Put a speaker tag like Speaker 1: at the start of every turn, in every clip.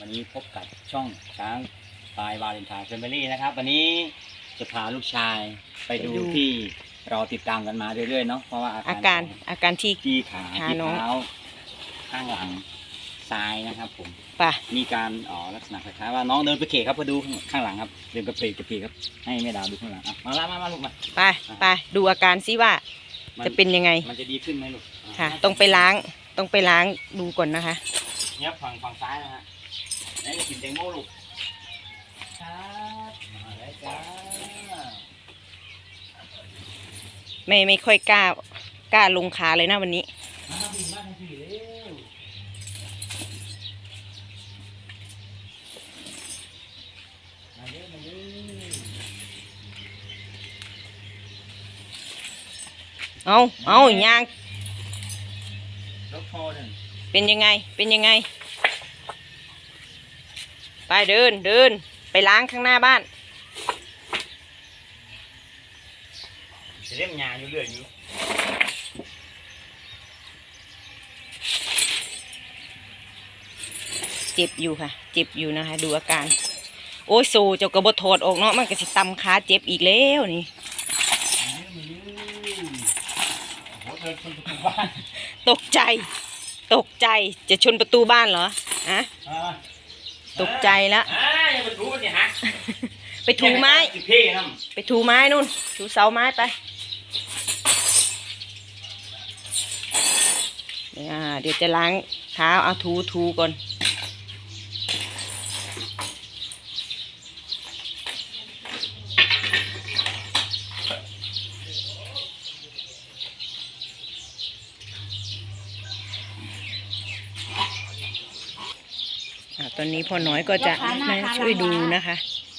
Speaker 1: วันนี้พบกับช่องช้างพายวาเลนไทน์แฟมิลี่นะครับวันนี้จะพาลูกชายไปดูที่เราติดตามกันมาเรื่อยๆเนาะเพราะว่าอาการที่ขาที่เท้าข้างหลังซ้ายนะครับผมมีการลักษณะคล้ายๆว่าน้องเดินไปเขครับมาดูข้างหลังครับเดินกระเพกครับให้แม่ดาวดูข้างหลังมาลูกมา
Speaker 2: ไปดูอาการซิว่าจะเป็นยังไง
Speaker 1: มันจะดีขึ้นไหมลูก
Speaker 2: ค่ะต้องไปล้างดูก่อนนะคะ
Speaker 1: เนี่ยฝั่งซ้ายนะฮะนี่กินแตงโมลูกครับมาแล้วจ้า
Speaker 2: ไม่ค่อยกล้าลงขาเลยนะวันนี้เอายางเป็นยังไงไปเดินไปล้างข้างหน้าบ้าน
Speaker 1: จะเล่มยาอยู่เรื่อยอยู่
Speaker 2: เจ็บอยู่ค่ะเจ็บอยู่นะคะดูอาการโอ้ยโซเจ้ากระบถอดออกเนาะมันก็สิตำขาเจ็บอีกแล้วนี่ตกใจจะชนประตูบ้านเหรอฮะตกใจแล้วไปถูไม้นู่นถูเสาไม้ไปเดี๋ยวจะล้างเท้าเอาถูก่อนตอนนี้พ่อน้อยก็จะมาช่วยดูนะคะ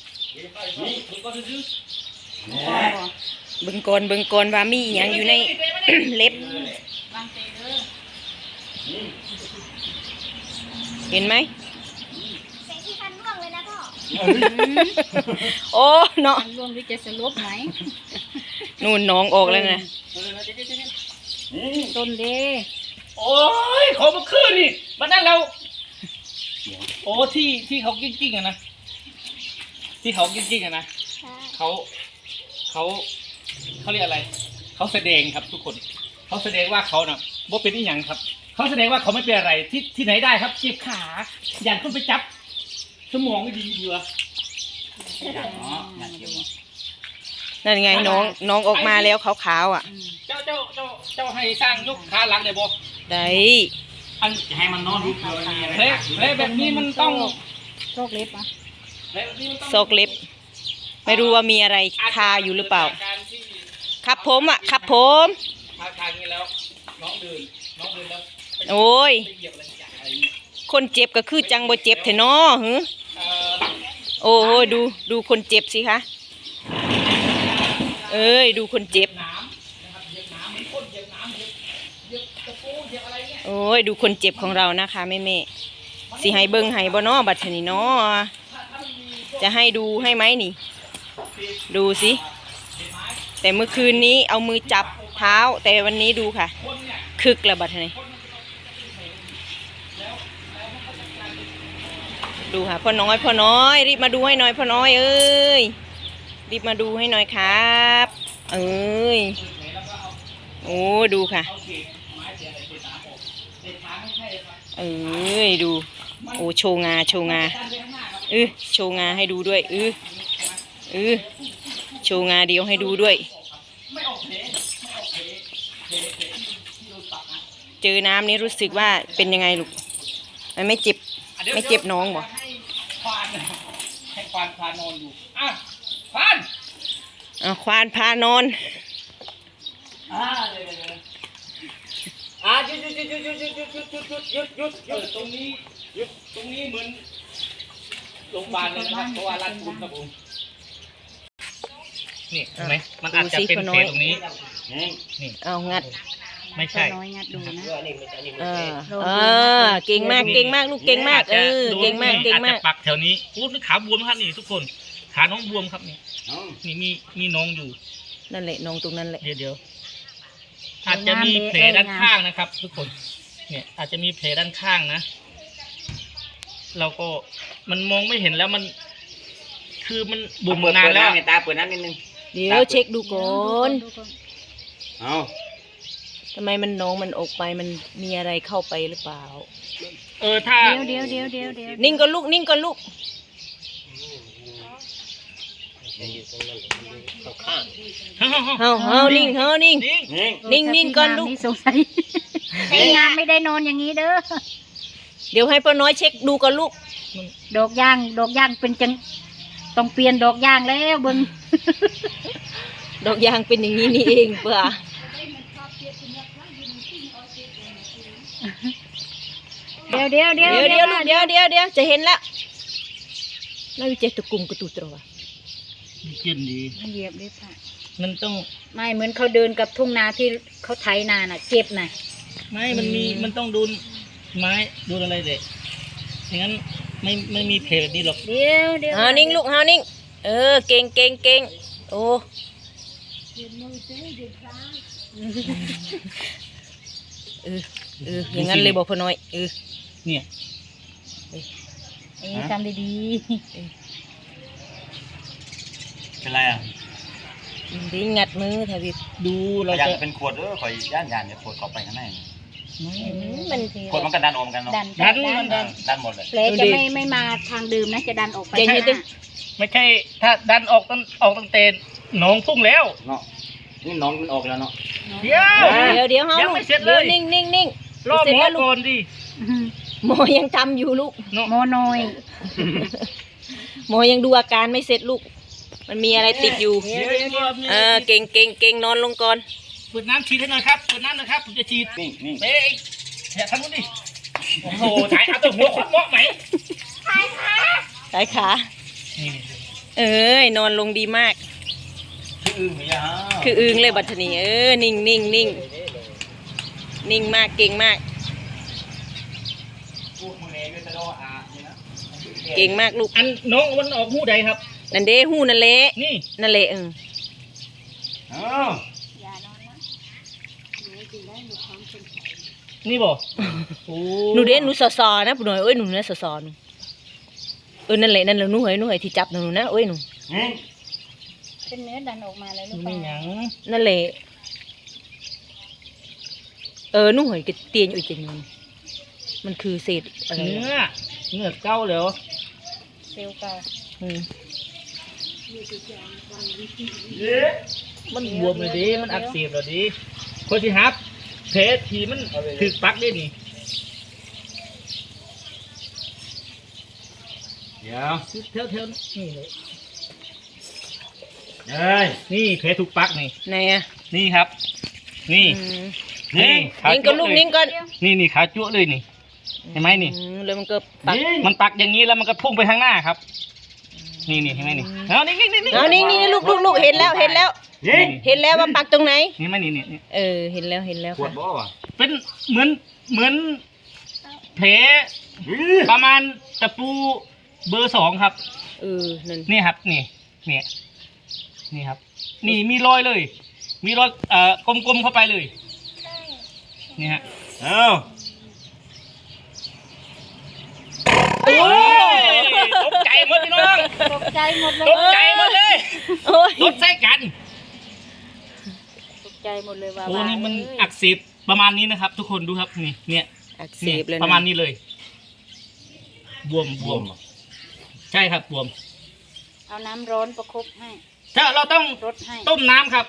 Speaker 2: เบิ่งก่อนว่ามีอย่างอยู่ใน เล็บเห็นไหมโอ้เนาะ
Speaker 3: ร่วงหรือจะสลบไหม
Speaker 2: นู่นน้องออกแล้วนะ
Speaker 3: ต้นเด้
Speaker 4: โอ้ยขอมาคืนนี่มานั่นเราโอ้ที่เขากิ้งอะนะที่เขากิ้งอะนะเขาเรียกอะไรเขาแสดงครับทุกคนเขาแสดงว่าเขาน่ะบ่เป็นอีหยังครับเขาแสดงว่าเขาไม่เป็นอะไรที่ไหนได้ครับเจ็บขาอย่างขึ้นไปจับสมองไม่ดีเหรอ
Speaker 2: นั่นไงน้องออกมาแล้วขาวๆอ่ะ
Speaker 4: เจ้าให้สร้างยกขาหลังได้บ่
Speaker 2: ได้
Speaker 1: อันให้มันนอนรูปเลย
Speaker 4: แผลแบบนี้มันต้อง
Speaker 3: โรคเล็บอ่ะ
Speaker 2: โซกเล็บไม่รู้ว่ามีอะไรคาอยู่หรือเปล่าครับผมครับผม
Speaker 4: ทางนี้แล้วน้องเดินแล้ว
Speaker 2: โอ้ยคนเจ็บก็คือจังบ่เจ็บเถอะเนาะโอ้โหดูคนเจ็บสิคะเอ้ยดูคนเจ็บโอ้ยดูคนเจ็บของเรานะคะแม่สิให้เบิ้งให้บ่เนาะบัดนี้เนาะจะให้ดูให้ไหมนี่ดูสิแต่เมื่อคืนนี้เอามือจับเท้าแต่วันนี้ดูค่ะคึกละบัดนี้ดูค่ะพ่อน้อยรีบมาดูให้หน่อยพ่อน้อยเอ้ยรีบมาดูให้หน่อยครับเอ้ยโอ้ดูค่ะเอ้ยดูโอ้โชว์งาโชว์งาให้ดูด้วยโชว์งาเดียวให้ดูด้วยเจอน้ำนี้รู้สึกว่าเป็นยังไงลูกมันไม่เจ็บน้องบ่
Speaker 4: ให้ควานพานอนอยู่
Speaker 2: ควานพานอน
Speaker 4: หยุดตรงนี้เหมือนโรงพยาบาลเลยนะครับเพราะว่ารัดกุมครับผมนี่เห็นไหมมันอาจจะเป็นแผลตรงนี้นี่
Speaker 2: เอางัด
Speaker 4: ไม่ใช่
Speaker 3: น้อยงัดดูนะ
Speaker 2: เก่งมากลูกเก่งมากเก่งมาก
Speaker 4: อาจจะปักแถวนี้อู้นี่ขาบวมครับนี่ทุกคนขาน้องบวมครับนี่มีน้องอยู่
Speaker 2: นั่นแหละน้องตรงนั้นแหละ
Speaker 4: เดี๋ยวอาจจะมีแผลด้านข้างนะครับทุกคนเนี่ยอาจจะมีแผลด้านข้างนะเราก็มันมองไม่เห็นแล้วมันคือมันบุ่มนานแล้ว
Speaker 1: เปิดตาเปิดน้ำนิดนึง
Speaker 2: เดี๋ยวเช็คดูก่อน
Speaker 3: ดูก่อน
Speaker 1: เอา
Speaker 2: ทำไมมันน้องมันออกไปมันมีอะไรเข้าไปหรือเปล่า
Speaker 4: ถ้า
Speaker 3: เดี๋ยว
Speaker 2: นิ่งก่อนลูกนิ่งก่อนลูก เฮานิ่ง
Speaker 1: นิ่ง
Speaker 2: นิ่งก่อนลูก
Speaker 3: สงสัยไอ้งามไม่ได้นอนอย่างนี้เด้อ
Speaker 2: เดี๋ยวให้ป้าน้อยเช็คดูก่อนลูก
Speaker 3: ดอกย่างเป็นจังต้องเปลี่ยนดอกย่างแล้วเบิ่ง
Speaker 2: ดอกยางเป็นอย่างนี้นี่เองเปล่า
Speaker 3: เดี๋ยว
Speaker 2: เดี๋ยวลูกเดี๋ยวจะเห็นแล้วน่าวิจัยตะกุ่มกระตุตรวะ
Speaker 4: กินดี
Speaker 3: เหยียบด้วยค่ะ
Speaker 4: มันต้อง
Speaker 3: ไม่เหมือนเขาเดินกับทุ่งนาที่เขาไถนาน่ะเจ็บน่ะ
Speaker 4: ไม่มันต้องดูไม้ดูอะไรเด็กอย่างนั้นไม่มีเพลแบบนี้หรอก
Speaker 3: เดี๋ยว
Speaker 2: เฮานิ่งลูกเฮานิ่งเก่งโอ้อย่างนั้นเลยบอกพ่อน้อย
Speaker 4: เนี่ย
Speaker 3: อันนี้ทำดี
Speaker 1: เป็นไรอ่ะ
Speaker 2: ดีงัดมือแทบิบ
Speaker 4: ดูเรา
Speaker 1: อยาก
Speaker 4: จะ
Speaker 1: เป็นขวดขอยย่านเนี่ยขวดเข้าไปข้างใน
Speaker 2: มัน
Speaker 1: ขวดมันก็ดันออกกันเนาะ
Speaker 3: ดัน
Speaker 1: หมดเลย
Speaker 3: แผลจะไม่มาทางเดิมนะจะดันออกไป
Speaker 2: เจน
Speaker 3: ข้าง
Speaker 2: ให้
Speaker 3: ห
Speaker 2: ดิ
Speaker 3: น้า
Speaker 4: ไม่ใช่ถ้าดันออกตั้งแต่หนองพุ่งแล้ว
Speaker 1: เนาะนี่น้องมันออกแล้วเนาะ
Speaker 4: เดี๋ยว
Speaker 2: เดี๋ยวเฮา
Speaker 4: ยัง
Speaker 2: ลูก
Speaker 4: ไม่เสร็จเลย
Speaker 2: เดี๋ยวนิ่ง
Speaker 4: รอหมอก่อนดิ
Speaker 2: หมอยังทำอยู่ลูก
Speaker 4: เนาะ
Speaker 3: โมน้อย
Speaker 2: หมอยังดูอาการไม่เสร็จลูก มันมีอะไรติดอยู่เก่งนอนลงก่อน
Speaker 4: เปิดน้ำฉีดให้หน่อยครับเปิดน้ำหน่อยครับผมจะฉีด
Speaker 1: นี่
Speaker 4: เฮ้ยอย่าทำนู้นดิโอ้โหถ่ายเอาตัวหัวคนเหมาะไหม
Speaker 2: สายขา นอนลงดีมาก
Speaker 1: คืออึ้งเหรอ
Speaker 2: คืออึงเลยบัดนี้นิ่งนิ่งมากเก่งมาก
Speaker 1: พวกมึงเองก็จะโดนนี่นะ
Speaker 2: เก่งมากลูก
Speaker 4: อันน้องมันออกหูใดครับ
Speaker 2: นั่นเด้หูนั่นเละ
Speaker 4: นี่
Speaker 2: นั่นเละ
Speaker 4: นี่บอกโอ้
Speaker 2: หนูเด้หนูสอนะปุ่นหน่อยหนูนะสอหนูนั่นแหละหนูเหยที่จับหนูนะหนู
Speaker 3: เป็นเนื้อดันออกมาเลยลูก
Speaker 4: ไม่หยัง
Speaker 2: นั่นแหละหนูเหยก็เตียนอยู่จริงมันคือเศษอะไร
Speaker 4: เนื้อเก้าแล้ว
Speaker 3: เซลล์เก่า
Speaker 4: มันบวมเลยดิมันอักเสบเลยดิคนที่ฮับเพชรทีมันถึกปักได้นี่
Speaker 1: เดี๋ยว
Speaker 4: เท่านี่เลย
Speaker 1: เฮ้ย
Speaker 4: นี่เพชรถูกปักนี่
Speaker 2: ไหนอ่ะ
Speaker 4: นี่ครับ นี่นี่ขา
Speaker 2: นิ่งก่อนลูกนิ่งก่อน
Speaker 4: นี่ขาจั่วเลยนี่เห็นไหมนี่
Speaker 2: แล้วมันก็ปัก
Speaker 4: มันปักอย่างนี้แล้วมันก็พุ่งไปข้างหน้าครับ นี่เห็นไหมนี่เอานี่
Speaker 2: เอานี่ลูกเห็นแล้วเห็นแล้วว่าปักตรงไหน
Speaker 4: นี่ไหมนี่
Speaker 2: เห็นแล้ว
Speaker 1: ขวด
Speaker 2: ค่ะ
Speaker 1: บ่วะ
Speaker 4: เป็นเหมือนแผลประมาณตะปูเบอร์ 2ครับ
Speaker 2: นั่น
Speaker 4: นี่ครับนี่ครับ นี่มีรอยเลย มีรอยกลมๆเข้าไปเลยนี่ฮะ
Speaker 1: เอ้า
Speaker 4: โอ้ยตกใจหมดพี่น้อง
Speaker 3: ตกใจหมดเลย
Speaker 4: ตกใจหมดเลย
Speaker 2: โอ้ย
Speaker 4: รถใส่กัน
Speaker 3: ตกใจหมดเลยว่า
Speaker 4: โอ้นี่มันอักเสบประมาณนี้นะครับ ทุกคนดูครับนี่เนี่ย
Speaker 2: อักเสบเลย
Speaker 4: ประมาณนี้เลย บวมใช่ครับบวม
Speaker 3: เอาน้ำร้อนประคบให้
Speaker 4: ถ้าเราต้อง
Speaker 3: รดให้
Speaker 4: ต้มน้ำครับ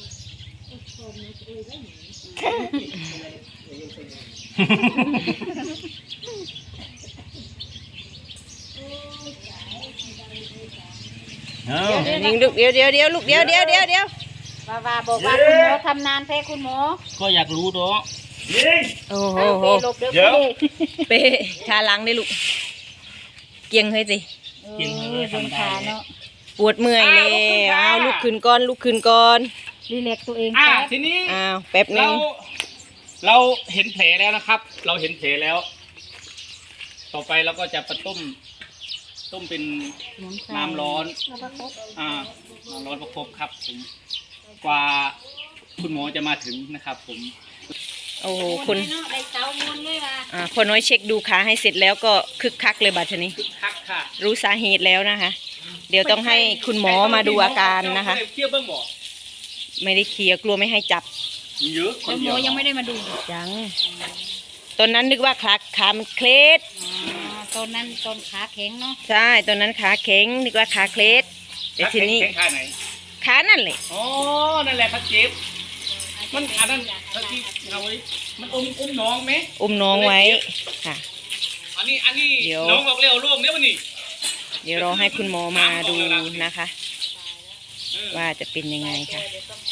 Speaker 1: เอ้า
Speaker 2: นิ่งลูกเดี๋ยวลูกเดี๋ยว
Speaker 3: ว่าบอกว่าคุณหมอทำนานแท้คุณหมอ
Speaker 4: ก็อยากรู้เนาะ
Speaker 2: โอ้โห
Speaker 3: หลบเดี๋ยว
Speaker 2: เป้ขาหลังได้ลูกเกียงให้สิ
Speaker 3: เดินขาเนาะ
Speaker 2: ปวดเมื่อยเลยเอาลุกขึ้นก่อน
Speaker 3: รีแลกซ์ตัวเอง
Speaker 4: ทีนี้
Speaker 2: อ้าวแป๊บนึง
Speaker 4: เราเห็นแผลแล้วนะครับ เราเห็นแผลแล้ว ต่อไปเราก็จะต้มเป็นน้ำร้อนน้ำร้อนประคบครับผมกว่าคุณหมอจะมาถึงนะครับผม
Speaker 2: โอ้โหคน
Speaker 3: ได้เต้ามูลเลยว่ะ
Speaker 2: พ่อน้อยเช็คดูขาให้เสร็จแล้วก็คึกคักเลยบัดนี้
Speaker 4: คักค่ะ
Speaker 2: รู้สาเหตุแล้วนะคะ เดี๋ยวต้องให้คุณหมอมาดูอาการนะคะ
Speaker 4: เทียบเบิ้งหมอ
Speaker 2: ไม่ได้เคลียร์กลัวไม่ให้จับ
Speaker 4: เยอะคน
Speaker 3: แล้วหม
Speaker 4: เดียว
Speaker 3: อยังไม่ได้มาดู
Speaker 2: ยังตอนนั้นนึกว่าขามันเคล็ด
Speaker 3: ตอนนั้นตอนขาแข็งเนาะ
Speaker 2: ใช่ตอนนั้นขาแข็งนึกว่าขาเคล็ดแต่ทีนี้
Speaker 4: แข้งขาไหน
Speaker 2: ขานั่นเลย
Speaker 4: อ๋อนั่นแหละพัดเจ็บมันอันนั้นพัดที่เอาไว้มันอุ้มน้องไหม
Speaker 2: อุ้มน้องไว้ค่ะ
Speaker 4: อันนี้
Speaker 2: เดี๋ยว
Speaker 4: น้องบอกเร็วร่วงเนี่ยมันนี่
Speaker 2: เดี๋ยวรอให้คุณหมอมาดูนะคะ ว่าจะเป็นยังไงค่ะ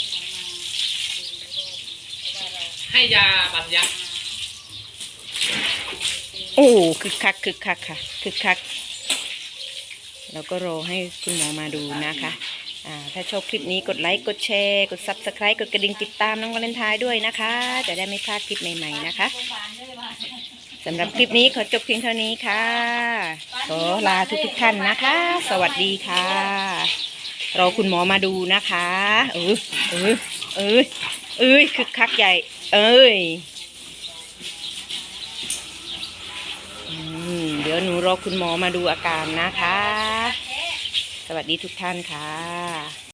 Speaker 4: ให้ยาบัดยักษ์
Speaker 2: โอ้คึกคักคึกคักค่ะคึกคักเราก็รอให้คุณหมอมาดูนะคะถ้าชอบคลิปนี้กดไลค์กดแชร์กด Subscribe กดกระดิ่งติดตามน้องวาเลนไทน์ด้วยนะคะ จะได้ไม่พลาดคลิปใหม่ๆนะคะสำหรับคลิปนี้ขอจบเพียงเท่านี้ค่ะขอลาทุกท่านนะคะ สวัสดีค่ะรอคุณหมอมาดูนะคะคึกคักใหญ่เดี๋ยวหนูรอคุณหมอมาดูอาการนะคะ สวัสดีทุกท่านค่ะ